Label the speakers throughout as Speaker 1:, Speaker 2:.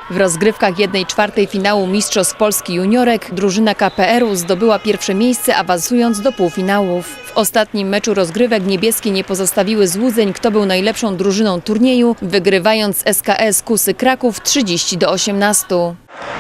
Speaker 1: W rozgrywkach 1/4 finału Mistrzostw Polski Juniorek drużyna KPR-u zdobyła pierwsze miejsce, awansując do półfinałów. W ostatnim meczu rozgrywek niebieskie nie pozostawiły złudzeń, kto był najlepszą drużyną turnieju, wygrywając SKS Kusy Kraków 30-18.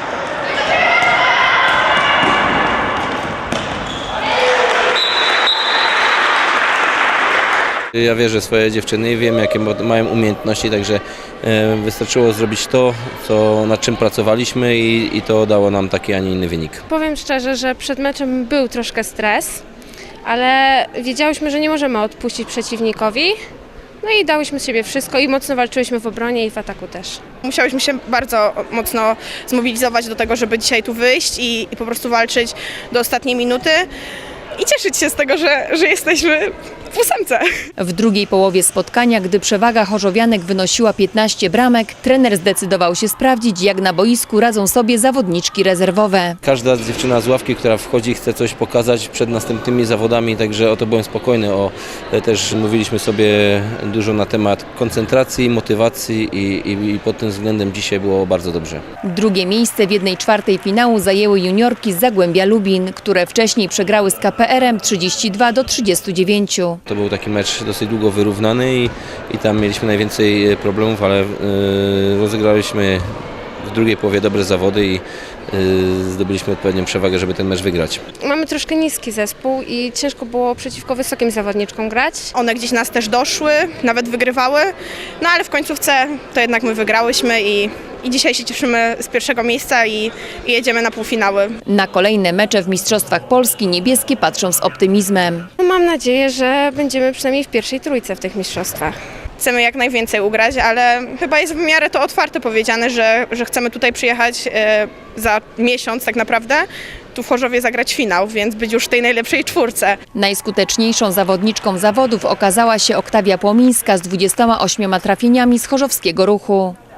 Speaker 2: Ja wierzę w swoje dziewczyny i wiem, jakie mają umiejętności, także wystarczyło zrobić to, nad czym pracowaliśmy i to dało nam taki, a nie inny wynik.
Speaker 3: Powiem szczerze, że przed meczem był troszkę stres, ale wiedziałyśmy, że nie możemy odpuścić przeciwnikowi. No i dałyśmy z siebie wszystko i mocno walczyłyśmy w obronie i w ataku też.
Speaker 4: Musiałyśmy się bardzo mocno zmobilizować do tego, żeby dzisiaj tu wyjść i po prostu walczyć do ostatniej minuty i cieszyć się z tego, że jesteśmy w ósemce.
Speaker 1: W drugiej połowie spotkania, gdy przewaga chorzowianek wynosiła 15 bramek, trener zdecydował się sprawdzić, jak na boisku radzą sobie zawodniczki rezerwowe.
Speaker 2: Każda dziewczyna z ławki, która wchodzi, chce coś pokazać przed następnymi zawodami, także o to byłem spokojny. Też mówiliśmy sobie dużo na temat koncentracji, motywacji i pod tym względem dzisiaj było bardzo dobrze.
Speaker 1: Drugie miejsce w 1/4 finału zajęły juniorki z Zagłębia Lubin, które wcześniej przegrały z KPR-em 32-39.
Speaker 2: To był taki mecz dosyć długo wyrównany i tam mieliśmy najwięcej problemów, ale rozegraliśmy w drugiej połowie dobre zawody i zdobyliśmy odpowiednią przewagę, żeby ten mecz wygrać.
Speaker 3: Mamy troszkę niski zespół i ciężko było przeciwko wysokim zawodniczkom grać.
Speaker 4: One gdzieś nas też doszły, nawet wygrywały, no ale w końcówce to jednak my wygrałyśmy i dzisiaj się cieszymy z pierwszego miejsca i jedziemy na półfinały.
Speaker 1: Na kolejne mecze w Mistrzostwach Polski niebieskie patrzą z optymizmem.
Speaker 3: Mam nadzieję, że będziemy przynajmniej w pierwszej trójce w tych mistrzostwach.
Speaker 4: Chcemy jak najwięcej ugrać, ale chyba jest w miarę to otwarte powiedziane, że chcemy tutaj przyjechać za miesiąc tak naprawdę, tu w Chorzowie zagrać finał, więc być już w tej najlepszej czwórce.
Speaker 1: Najskuteczniejszą zawodniczką zawodów okazała się Oktawia Płomińska z 28 trafieniami z chorzowskiego Ruchu.